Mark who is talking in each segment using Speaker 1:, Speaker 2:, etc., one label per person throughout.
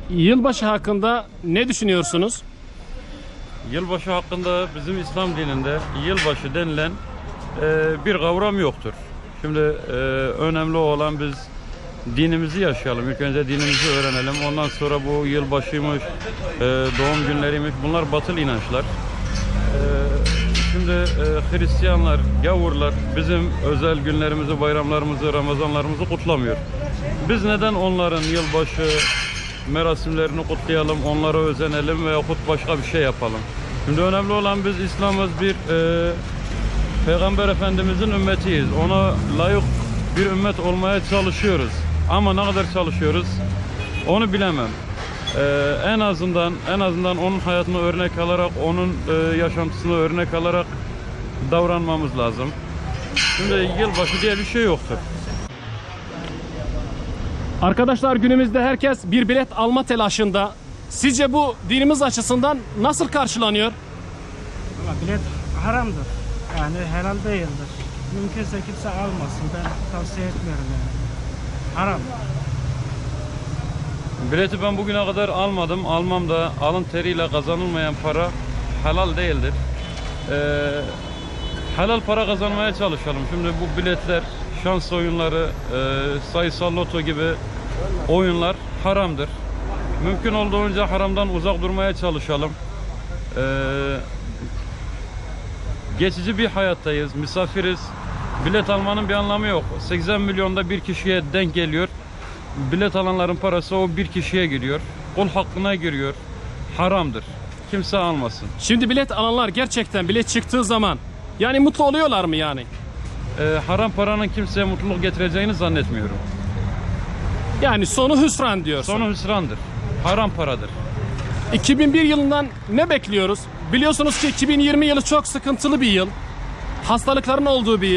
Speaker 1: Yılbaşı hakkında ne düşünüyorsunuz?
Speaker 2: Yılbaşı hakkında bizim İslam dininde yılbaşı denilen bir kavram yoktur. Şimdi önemli olan biz dinimizi yaşayalım. İlk önce dinimizi öğrenelim. Ondan sonra bu yılbaşıymış, doğum günleriymiş. Bunlar batıl inançlar. Şimdi Hristiyanlar, gavurlar bizim özel günlerimizi, bayramlarımızı, Ramazanlarımızı kutlamıyor. Biz neden onların yılbaşı merasimlerini kutlayalım, onlara özenelim veyahut başka bir şey yapalım? Şimdi önemli olan biz İslam'ız, bir Peygamber Efendimizin ümmetiyiz. Ona layık bir ümmet olmaya çalışıyoruz. Ama ne kadar çalışıyoruz onu bilemem. En azından onun hayatını örnek alarak, onun yaşantısını örnek alarak davranmamız lazım. Şimdi yılbaşı diye bir şey yoktur.
Speaker 1: Arkadaşlar, günümüzde herkes bir bilet alma telaşında. Sizce bu dinimiz açısından nasıl karşılanıyor?
Speaker 3: Ama bilet haramdır. Yani helal değildir. Mümkünse kimse almasın. Ben tavsiye etmiyorum yani. Haram.
Speaker 2: Bileti ben bugüne kadar almadım. Almam da. Alın teriyle kazanılmayan para helal değildir. Helal para kazanmaya çalışalım. Şimdi bu biletler, şans oyunları, sayısal loto gibi oyunlar haramdır. Mümkün olduğunca haramdan uzak durmaya çalışalım. Geçici bir hayattayız, misafiriz. Bilet almanın bir anlamı yok. 80 milyonda bir kişiye denk geliyor. Bilet alanların parası o bir kişiye giriyor. Kul hakkına giriyor. Haramdır. Kimse almasın.
Speaker 1: Şimdi bilet alanlar gerçekten bilet çıktığı zaman yani mutlu oluyorlar mı yani?
Speaker 2: Haram paranın kimseye mutluluk getireceğini zannetmiyorum.
Speaker 1: Yani sonu hüsran diyorsun.
Speaker 2: Sonu hüsrandır. Haram paradır.
Speaker 1: 2001 yılından ne bekliyoruz? Biliyorsunuz ki 2020 yılı çok sıkıntılı bir yıl. Hastalıkların olduğu bir yıl.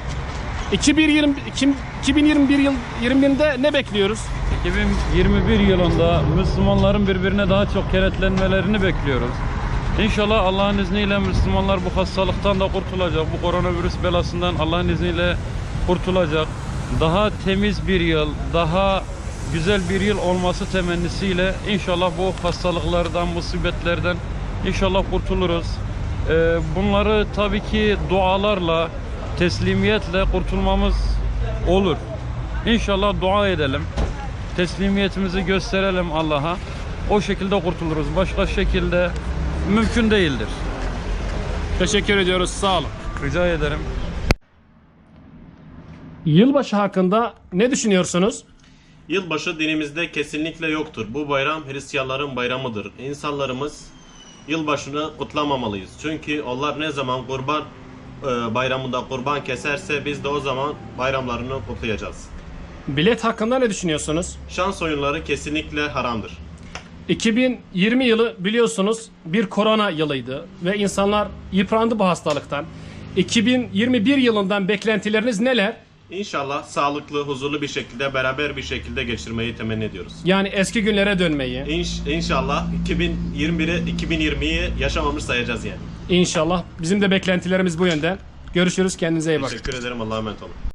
Speaker 1: 2021'de ne bekliyoruz?
Speaker 2: 2021 yılında Müslümanların birbirine daha çok kenetlenmelerini bekliyoruz. İnşallah Allah'ın izniyle Müslümanlar bu hastalıktan da kurtulacak. Bu koronavirüs belasından Allah'ın izniyle kurtulacak. Daha temiz bir yıl, daha güzel bir yıl olması temennisiyle inşallah bu hastalıklardan, musibetlerden inşallah kurtuluruz. Bunları tabii ki dualarla, teslimiyetle kurtulmamız olur. İnşallah dua edelim. Teslimiyetimizi gösterelim Allah'a. O şekilde kurtuluruz. Başka şekilde mümkün değildir.
Speaker 1: Teşekkür ediyoruz. Sağ olun.
Speaker 2: Rica ederim.
Speaker 1: Yılbaşı hakkında ne düşünüyorsunuz?
Speaker 4: Yılbaşı dinimizde kesinlikle yoktur. Bu bayram Hristiyanların bayramıdır. İnsanlarımız yılbaşını kutlamamalıyız. Çünkü onlar ne zaman kurban bayramında kurban keserse biz de o zaman bayramlarını kutlayacağız.
Speaker 1: Bilet hakkında ne düşünüyorsunuz?
Speaker 4: Şans oyunları kesinlikle haramdır.
Speaker 1: 2020 yılı biliyorsunuz bir korona yılıydı ve insanlar yıprandı bu hastalıktan. 2021 yılından beklentileriniz neler?
Speaker 4: İnşallah sağlıklı, huzurlu bir şekilde, beraber bir şekilde geçirmeyi temenni ediyoruz.
Speaker 1: Yani eski günlere dönmeyi.
Speaker 4: İnşallah 2020'yi yaşamamış sayacağız yani.
Speaker 1: İnşallah. Bizim de beklentilerimiz bu yönde. Görüşürüz. Kendinize iyi bakın.
Speaker 4: Teşekkür ederim. Allah'a emanet olun.